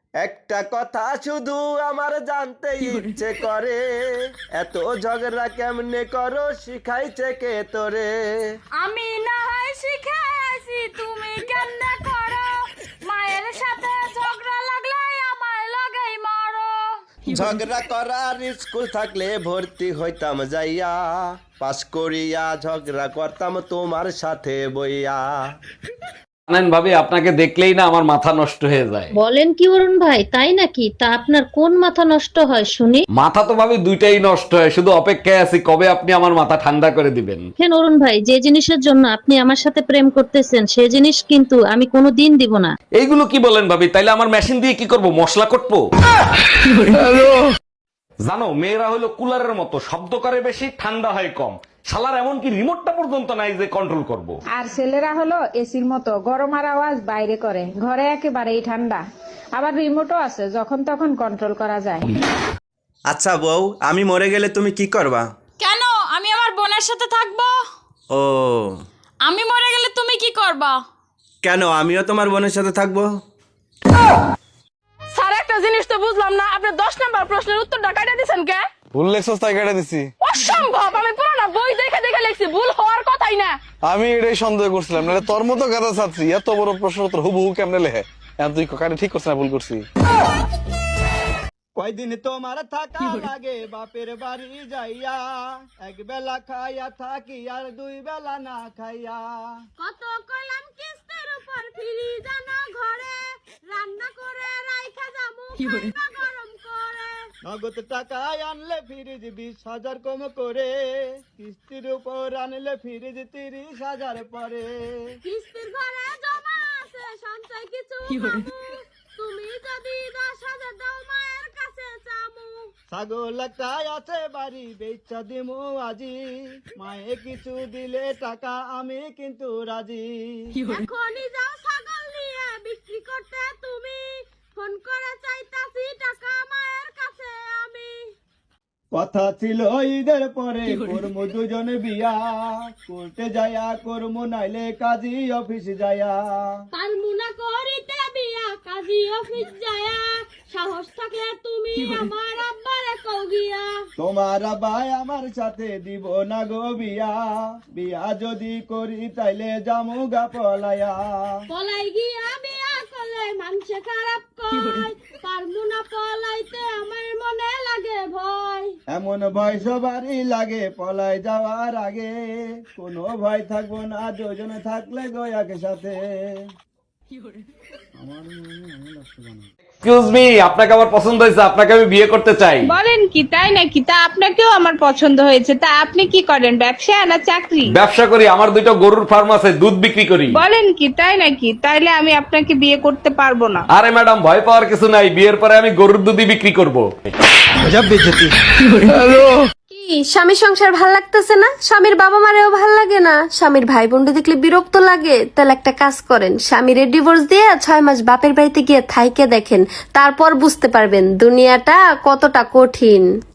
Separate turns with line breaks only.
একটা কথা শুধু আমার জানতে ইচ্ছে করে, এত ঝগড়া কেমনে করো শিখাইছে কে তোরে?
আমি না হয় শিখেছি, তুমি কেমনে করো? মায়ের সাথে ঝগড়া লাগলে আমার লাগেই মারো।
ঝগড়া করার স্কুল থাকলে ভর্তি হইতাম যাইয়া, পাস করিয়া ঝগড়া করতাম তোমার সাথে বইয়া।
জানেন ভাবি, আপনাকে দেখলেই না আমার মাথা নষ্ট হয়ে যায়।
বলেন কি অরুণ ভাই, তাই নাকি? তা আপনার কোন মাথা নষ্ট হয় শুনি?
মাথা তো ভাবি দুইটাই নষ্ট হয়, শুধু অপেক্ষায় আছি কবে আপনি আমার মাথা ঠান্ডা করে দিবেন।
দেখেন অরুণ ভাই, যে জিনিসের জন্য আপনি আমার সাথে প্রেম করতেছেন সে জিনিস কিন্তু আমি কোনোদিন দিব না।
এইগুলো কি বলেন ভাবি? তাইলে আমার মেশিন দিয়ে কি করব? মশলা কটবো? জানো, মেয়েরা হলো কুলারের মতো, শব্দ করে বেশি, ঠান্ডা হয় কম। শালার এমনকি রিমোটটা পর্যন্ত নাই যে কন্ট্রোল করব।
আর ছেলেরা হলো এসির মতো, গরম আর আওয়াজ বাইরে করে, ঘরে একেবারেই ঠান্ডা। আবার রিমোটও আছে, যখন তখন কন্ট্রোল করা যায়।
আচ্ছা বউ, আমি মরে গেলে তুমি কি করবা?
কেন? আমি আমার বোনের সাথে থাকবো।
ও,
আমি মরে গেলে তুমি কি করবা?
কেন? আমিও তোমার বোনের সাথে থাকবো।
স্যার, একটা জিনিস তো বুঝলাম না, আপনি 10 নাম্বার প্রশ্নের উত্তরটা কাটে দিয়েছেন কে?
ভুল লেখছস তাই কেটে দিছি।
অসম্ভব! আমি পুরোনো বই দেখে দেখে লিখছি, ভুল হওয়ার কথাই না।
আমি এটাই সন্দেহ করছিলাম, নাহলে তোর মতো গাদা ছাত্রী এত বড় প্রশ্ন উত্তর হুবহু কেমনে লেখে। এখন তুই কারে ঠিক করছিস না ভুল করছি?
কয়দিন তোমার থাকা লাগে বাপের বাড়ি যাইয়া, এক বেলা খাইয়া থাকি আর দুই বেলা না খাইয়া।
কত কইলাম কিস্তির উপর ফিরি জানো ঘরে, রান্না করে রাইখা যামু খাইবা গরম করে।
নগদ টাকায় আনলে ফ্রিজ 20,000 কম করে, কিস্তির উপর আনলে ফ্রিজ 30,000 পরে।
কিস্তির ঘরে জমা আছে সঞ্চয় কিছু পাবো, তুমি যদি 10,000 দাও মায়ের কাছে চামু।
ছাগল একটাই আছে বাড়ি বেচা দিমু আজি, মায়ে কিছু দিলে টাকা আমি কিন্তু রাজি।
এখনই যাও ছাগল নিয়ে বিক্রি করতে তুমি, ফোন করে চাইতাছি টাকা মায়ের কাছে আমি।
কথা ছিল ঈদের পরে করমু দুজনে বিয়া, কোর্টে যায়া করমু নাইলে কাজী অফিস যায়া।
পালমুনা করিতে বিয়া কাজী অফিস যায়া, সাহস থাকলে তুমি আমার আব্বারে কও গিয়া।
তোমার ভাই আমার সাথে দিব না গো বিয়া, বিয়া যদি করি তাইলে জামু গা পলায়া।
পলাই গিয়া বিয়া করলে মানুষে খারাপ কয়, পারমুনা পলাইতে আমার মনে লাগে ভয়।
এমন ভয় সবারই লাগে পলাই যাওয়ার আগে, কোনো ভয় থাকবো না দুজনে থাকলে গো একসাথে।
এক্সকিউজ মি, আপনাকে আমার পছন্দ হয়েছে, আপনাকে আমি বিয়ে করতে চাই।
বলেন কি, তাই নাকি? তা আপনাকেও আমার পছন্দ হয়েছে। তা আপনি কি করেন, ব্যবসা না চাকরি?
ব্যবসা করি, আমার দুটো গরুর ফার্ম আছে, দুধ বিক্রি করি।
বলেন কি, তাই নাকি? তাইলে আমি আপনাকে বিয়ে করতে পারবো না।
আরে ম্যাডাম, ভয় পাওয়ার কিছু নাই, বিয়ের পরে আমি গরুর দুধই বিক্রি করব।
কি স্বামীর সংসার ভাল লাগতেছে না? স্বামীর বাবা মারেও ভাল লাগে না? স্বামীর ভাই বোনকে দেখলে বিরক্ত লাগে? তাহলে একটা কাজ করেন, স্বামীর ডিভোর্স দিয়ে 6 মাস বাপের বাড়িতে গিয়ে থাইকে দেখেন, তারপর বুঝতে পারবেন দুনিয়াটা কতটা কঠিন।